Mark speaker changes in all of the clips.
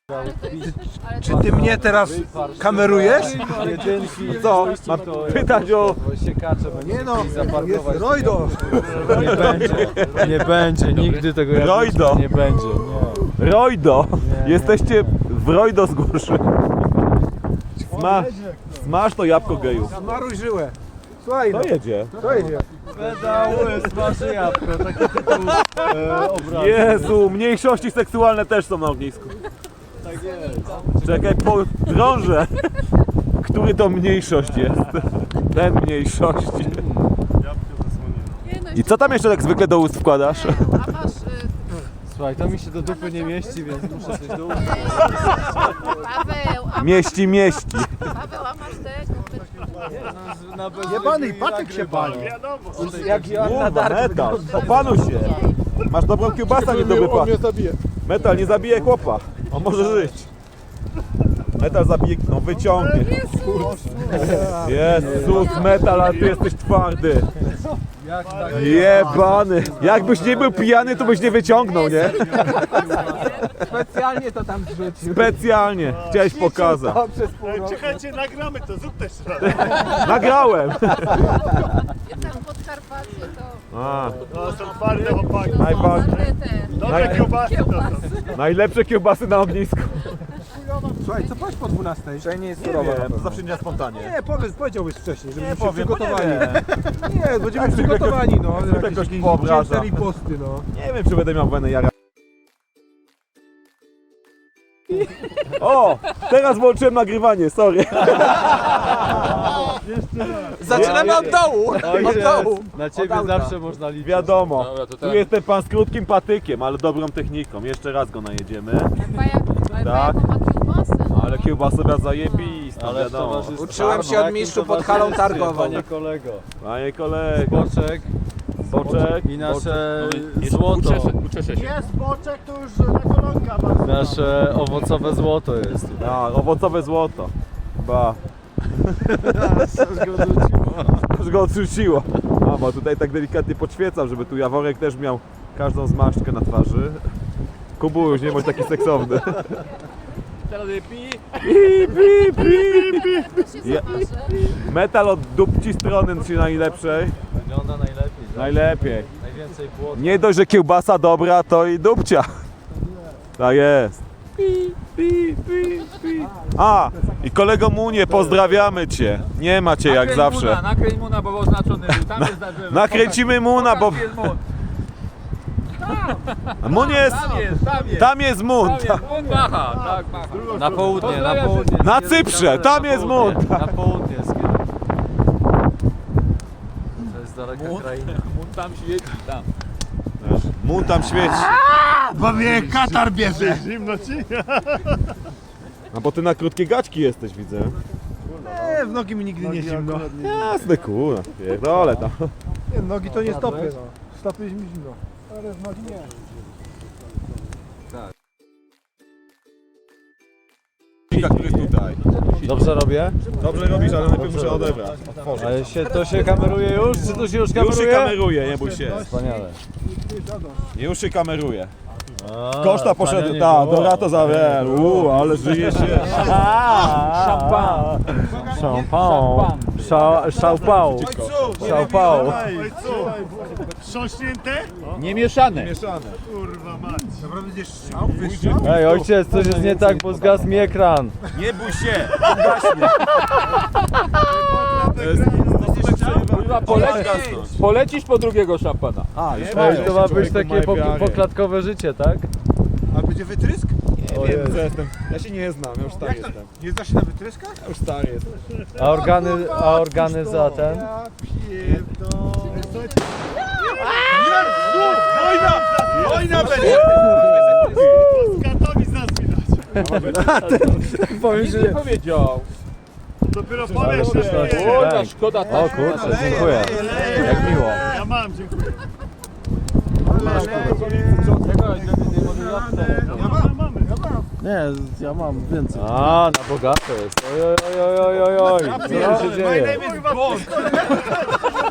Speaker 1: Czy ty mnie teraz kamerujesz?
Speaker 2: Co? Mam pytać o...
Speaker 1: Nie no, jest Rojdo.
Speaker 3: Nie będzie, nigdy tego
Speaker 2: Rojdo.
Speaker 3: nie będzie. Nie.
Speaker 2: Rojdo! Jesteście w Rojdo z Gorszy. Smaż to jabłko geju.
Speaker 1: Zmaruj żyłę. Słuchaj, no,
Speaker 2: To jedzie.
Speaker 1: to jedzie.
Speaker 3: Pedały, smaży jabłko, taki tytuł obrazu.
Speaker 2: Jezu, mniejszości seksualne też są na ognisku.
Speaker 3: Tak jest.
Speaker 2: Czekaj, drążę. Który to mniejszość jest? Ten mniejszości. I co tam jeszcze tak zwykle do ust wkładasz?
Speaker 4: A masz
Speaker 3: Słuchaj, to mi się do dupy nie mieści, więc muszę coś do ust.
Speaker 4: Paweł,
Speaker 2: Mieści.
Speaker 4: Paweł, a masz tego?
Speaker 1: Jebany patyk się pali.
Speaker 3: Jak Joanna
Speaker 2: Kurwa, metal, opanuj się. Masz dobrą kiełbasę, nie dobry pan. Metal nie zabije chłopa. On może żyć. Metal zabije, no wyciągnie. Jezus, metal, ale ty jesteś twardy. Jebany. Jakbyś nie był pijany, to byś nie wyciągnął, nie?
Speaker 1: Specjalnie to tam zrzucił.
Speaker 2: Specjalnie. Chciałeś pokazać.
Speaker 5: Czekajcie, nagramy to, zrób też raz.
Speaker 2: Nagrałem.
Speaker 4: Tam Podkarpacie to
Speaker 2: A,
Speaker 5: No, są twarde chłopaki.
Speaker 2: najbardziej.
Speaker 5: Dobre kiełbasy to są.
Speaker 2: Najlepsze kiełbasy na ognisku.
Speaker 1: Słuchaj, co powiedz po 12? Że nie jest surowa.
Speaker 2: to zawsze nie na spontanie.
Speaker 1: Nie, powiedziałbyś wcześniej, żebyśmy się
Speaker 2: powiem, bo
Speaker 1: przygotowali.
Speaker 2: nie
Speaker 1: Nie, będziemy
Speaker 2: Tak,
Speaker 1: przygotowani, no.
Speaker 2: jakoś
Speaker 1: Jakieś
Speaker 2: wyobraża.
Speaker 1: dzięty riposty, no.
Speaker 2: Nie wiem, czy będę miał wenę jara. O! Teraz włączyłem nagrywanie, sorry.
Speaker 1: Zaczynamy od dołu. Od dołu.
Speaker 3: Na ciebie zawsze można liczyć.
Speaker 2: Wiadomo, tu jestem pan z krótkim patykiem, ale dobrą techniką. Jeszcze raz go najedziemy.
Speaker 4: ale
Speaker 2: Tak.
Speaker 4: jaką ma kiełbasę?
Speaker 2: Ale kiełbasa zajebista,
Speaker 3: Ale w
Speaker 2: wiadomo.
Speaker 3: towarzystwie.
Speaker 1: Uczyłem się od mistrzu pod halą targową.
Speaker 3: Panie kolego.
Speaker 2: Panie kolego,
Speaker 3: Boczek
Speaker 2: boczek.
Speaker 3: i nasze złoto.
Speaker 5: Jest boczek, to już na kolonka ma.
Speaker 3: Nasze owocowe złoto jest.
Speaker 2: A, owocowe złoto. Ba. Aż go odrzuciło. A, bo tutaj tak delikatnie podświecam, żeby tu Jaworek też miał każdą zmarszczkę na twarzy. Kubu, już nie bądź taki seksowny.
Speaker 3: Teraz pi.
Speaker 2: Ja- Metal od dupci strony ci najlepszej.
Speaker 3: Wygląda najlepiej.
Speaker 2: Najlepiej.
Speaker 3: Najwięcej błota.
Speaker 2: Nie dość, że kiełbasa dobra, to i dupcia. Tak jest. A, i kolego Munie, pozdrawiamy cię. Nie ma cię jak zawsze.
Speaker 6: Nakręć Muna, bo oznaczony był. Tam jest zażywy.
Speaker 2: Nakręcimy Muna, bo
Speaker 6: Tam jest Mun.
Speaker 2: Mun jest... Tam jest Mun.
Speaker 6: Tam jest Mun, macha. Tak, macha.
Speaker 3: Na południe, na
Speaker 6: Pozdrawiam
Speaker 3: południe.
Speaker 2: Na Cyprze, tam jest Mun.
Speaker 3: Na południe jest kierunek. To jest daleka kraina.
Speaker 6: Mun tam świeci, tam.
Speaker 2: Mun tam świeci.
Speaker 5: Bo mnie katar bierze. Zimno ci?
Speaker 2: A bo ty na krótkie gaćki jesteś, widzę.
Speaker 1: Nie, w nogi mi nigdy nie zimno.
Speaker 2: Jasne, kurwa. Pierdolę tam.
Speaker 1: Nie, nogi to nie stopy, no. Stopy jest mi zimno. Ale w nogi nie.
Speaker 2: Który jest tutaj.
Speaker 3: Dobrze robię?
Speaker 2: Dobrze robisz, ale najpierw muszę odebrać.
Speaker 3: Ale to się kameruje już? Czy to się już
Speaker 2: Już
Speaker 3: kameruje?
Speaker 2: się kameruje, nie bój się.
Speaker 3: Wspaniale.
Speaker 2: Już się kameruje.
Speaker 3: A,
Speaker 2: Koszta poszedł,
Speaker 3: tania nie
Speaker 2: tak,
Speaker 3: było.
Speaker 2: Dorato zawer. Ale żyje się.
Speaker 3: Szampan. Szałpał. Szałpał.
Speaker 5: Oj, co? Wstrząśnięte?
Speaker 6: Nie mieszane.
Speaker 2: Mieszane.
Speaker 5: Kurwa mać.
Speaker 1: Naprawdę będziesz strzał? Wyjście?
Speaker 3: Ej, ojciec, coś jest nie tak, bo zgasł mi ekran.
Speaker 2: Nie bój się, on gaśnie.
Speaker 6: Polecisz po drugiego szampana.
Speaker 2: A, już
Speaker 3: Ej, to ma być takie poklatkowe życie, tak?
Speaker 1: A będzie wytrysk?
Speaker 2: Nie wiem, co jestem. Ja się nie znam, ja już stary jestem.
Speaker 1: Nie zda się na wytryskach?
Speaker 2: Ja już stary jestem.
Speaker 3: A organy za ten?
Speaker 1: Ja pierdolę.
Speaker 2: Wojna będzie!
Speaker 5: Katowic nas widać.
Speaker 3: Powiem,
Speaker 6: Nic nie powiedział.
Speaker 5: Dopiero powiesz, że
Speaker 6: Szkoda, szkoda.
Speaker 3: O kurczę, dziękuję. Jak miło.
Speaker 5: ja mam, dziękuję.
Speaker 3: Nie, ja mam więcej. A, na bogato jest. Oj. Co tu się dzieje?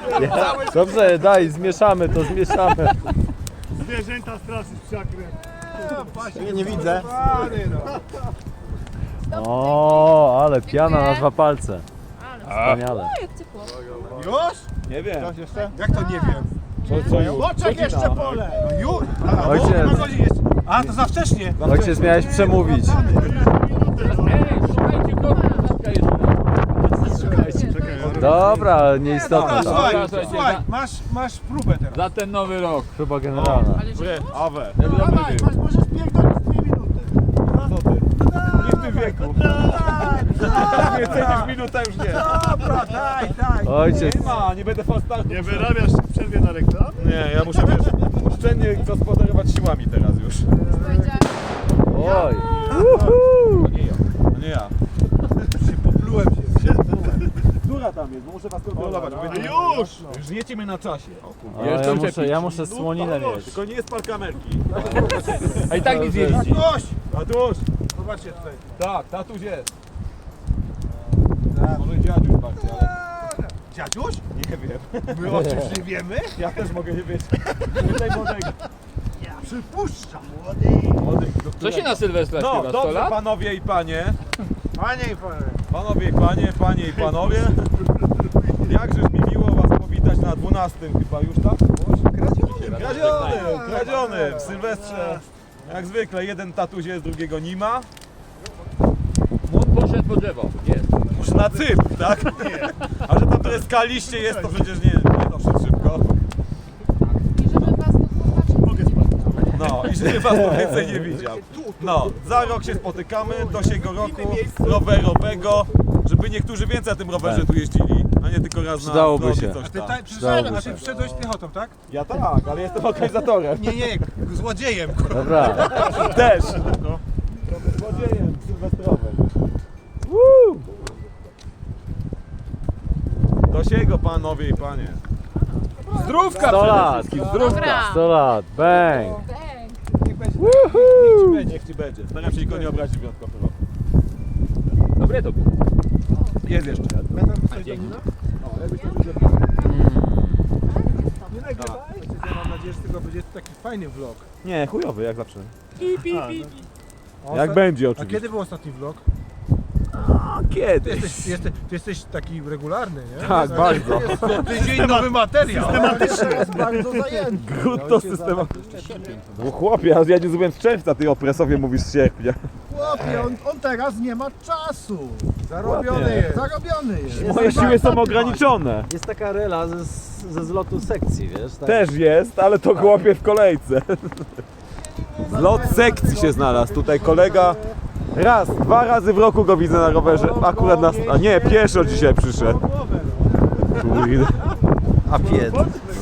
Speaker 3: Dobrze, daj, zmieszamy to, zmieszamy.
Speaker 5: Zwierzęta straszyć psiakrem.
Speaker 3: Nie widzę. O, ale piana na 2 palce. Wspaniale.
Speaker 4: O, jak ciepło.
Speaker 1: Już?
Speaker 2: Nie wiem.
Speaker 1: Coś jeszcze? Jak to nie wiem?
Speaker 2: Co już?
Speaker 1: Boczek jeszcze pole! No już?
Speaker 3: Ojciec.
Speaker 1: A, to za wcześnie!
Speaker 3: Ojciec, miałeś przemówić.
Speaker 6: Ej, szukajcie korka jeszcze.
Speaker 3: Dobra, nieistotne.
Speaker 1: Słuchaj,
Speaker 6: Słuchajcie,
Speaker 1: słuchaj,
Speaker 6: za-
Speaker 1: masz próbę teraz.
Speaker 6: Za ten nowy rok.
Speaker 3: Chyba generalna.
Speaker 2: Awe.
Speaker 1: Dawaj, możesz pierdolić 2 minuty.
Speaker 2: Co ty? Nie w tym wieku. Więcej niż minuta już nie.
Speaker 1: Dobra, daj.
Speaker 3: Ojciec,
Speaker 2: Nie ma, nie będę fal startu.
Speaker 5: Nie wyrabiasz w przerwie na reklamę?
Speaker 2: Nie, ja muszę, wiesz, oszczędnie gospodarować siłami teraz już.
Speaker 4: Powiedziałem,
Speaker 3: oj.
Speaker 2: To nie ja.
Speaker 1: Poplułem się.
Speaker 2: Która tam jest? Bo muszę was kontrolować. Już jecie mnie na czasie. O, kurwa.
Speaker 3: O, ja muszę słoninę mieć.
Speaker 2: Tylko nie spal kamerki.
Speaker 6: A i tak nic nie widzi.
Speaker 1: Gość!
Speaker 2: Tatuś!
Speaker 1: Zobaczcie tutaj.
Speaker 2: Tak, tatuś jest. Może dziadziuś bardziej, ale
Speaker 1: Dziadziuś?
Speaker 2: nie wiem.
Speaker 1: My o czymś nie wiemy?
Speaker 2: Ja też mogę nie wiedzieć. Tutaj młodego.
Speaker 1: Przypuszczam.
Speaker 2: Młodych, do
Speaker 6: Co
Speaker 2: którego?
Speaker 6: się na Sylwestra
Speaker 2: No,
Speaker 6: śpiewa? 100
Speaker 2: dobrze,
Speaker 6: lat?
Speaker 2: panowie i panie.
Speaker 1: Panie i panie.
Speaker 2: Panowie i panie, panie i panowie. Jakżeż mi miło was powitać na 12 chyba już, tak? Kradziony w Sylwestrze. Jak zwykle, jeden tatuś jest, drugiego nie ma.
Speaker 6: Młot poszedł po drzewo. Jest.
Speaker 2: Już na Cypr, tak? A że tam to jest skaliście jest, to przecież nie doszedł szybko.
Speaker 4: i żeby was tu zobaczyć.
Speaker 2: No i żeby was to więcej nie widział. No, za rok się spotykamy, do siego roku rowerowego, żeby niektórzy więcej na tym rowerze tu jeździli, a nie tylko raz na
Speaker 3: Przydałoby
Speaker 2: zlot i
Speaker 3: się.
Speaker 2: coś
Speaker 1: A ty,
Speaker 2: tam.
Speaker 1: a ty przyszedłeś piechotą, tak?
Speaker 2: Ja tak, ale jestem organizatorem.
Speaker 1: Nie, złodziejem.
Speaker 3: Dobra.
Speaker 2: Też. Złodziejem sylwestrowym. Do siego, panowie i panie. Zdrówka
Speaker 3: 100
Speaker 2: przede
Speaker 3: lat.
Speaker 2: wszystkim, zdrówka.
Speaker 4: Dobra.
Speaker 3: 100 lat. Bang.
Speaker 2: Niech ci będzie. Staram się nikogo nie obrazić wyjątkowo.
Speaker 6: Dobre to było.
Speaker 2: Jest jeszcze.
Speaker 1: Nie nagrywaj. Ja mam nadzieję, że tego będzie taki fajny vlog.
Speaker 2: Nie, chujowy jak zawsze.
Speaker 1: A
Speaker 2: Jak
Speaker 1: osta-
Speaker 2: będzie
Speaker 1: A
Speaker 2: oczywiście.
Speaker 1: kiedy był ostatni vlog?
Speaker 2: Kiedy?
Speaker 1: Ty jesteś taki regularny, nie?
Speaker 2: Tak, bardzo.
Speaker 1: Co tydzień nowy materiał.
Speaker 5: Bardzo zajęty.
Speaker 2: Grudno systematyczne. No chłopie, ja nie zrobiłem z czerwca, ty o Presowie mówisz z sierpnia.
Speaker 5: Chłopie, on teraz nie ma czasu.
Speaker 1: Zarobiony jest.
Speaker 5: Zarobiony jest.
Speaker 2: Moje siły są ograniczone.
Speaker 3: Jest taka rela ze zlotu sekcji, wiesz? Tak?
Speaker 2: Też jest, ale to chłopie w kolejce. Zlot sekcji się znalazł. Tutaj kolega raz, 2 razy w roku go widzę na rowerze. Akurat na... A nie, pieszo dzisiaj przyszedł. Kurde.
Speaker 3: A pied.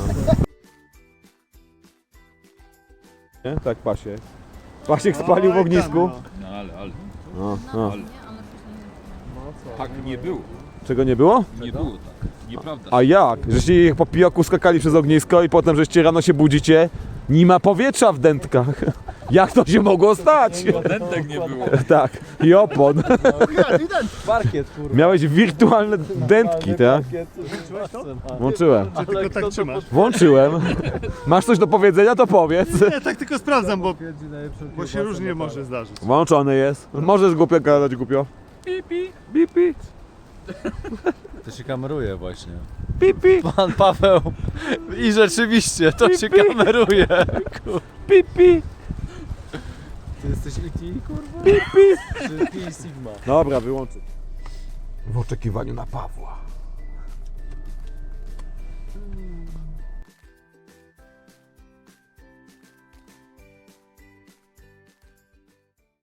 Speaker 2: Nie? Tak, Pasiek. Pasiek spalił w ognisku.
Speaker 6: No ale.
Speaker 2: No.
Speaker 6: Tak nie było.
Speaker 2: Czego nie było?
Speaker 6: Nie było tak. Nieprawda.
Speaker 2: A jak? Żeście ich po pijoku skakali przez ognisko i potem żeście rano się budzicie, nie ma powietrza w dętkach. Jak to się mogło stać?
Speaker 6: Dętek nie było.
Speaker 2: Tak, i opon.
Speaker 3: Parkiet, kurwa.
Speaker 2: Miałeś wirtualne dętki, tak? Włączyłem.
Speaker 5: Tylko tak trzymasz.
Speaker 2: Włączyłem. Masz coś do powiedzenia, to powiedz.
Speaker 5: Nie, tak tylko sprawdzam, bo się różnie może zdarzyć.
Speaker 2: Włączony jest. Możesz głupio gadać, głupio. Pipi. Pipi.
Speaker 3: To się kameruje właśnie.
Speaker 2: Pipi.
Speaker 3: Pan Paweł. I rzeczywiście, to się kameruje.
Speaker 2: Pipi.
Speaker 3: Ty jesteś IT, kurwa?
Speaker 2: Pipi.
Speaker 3: Czy Pi Sigma?
Speaker 2: Dobra, wyłączyć. W oczekiwaniu na Pawła.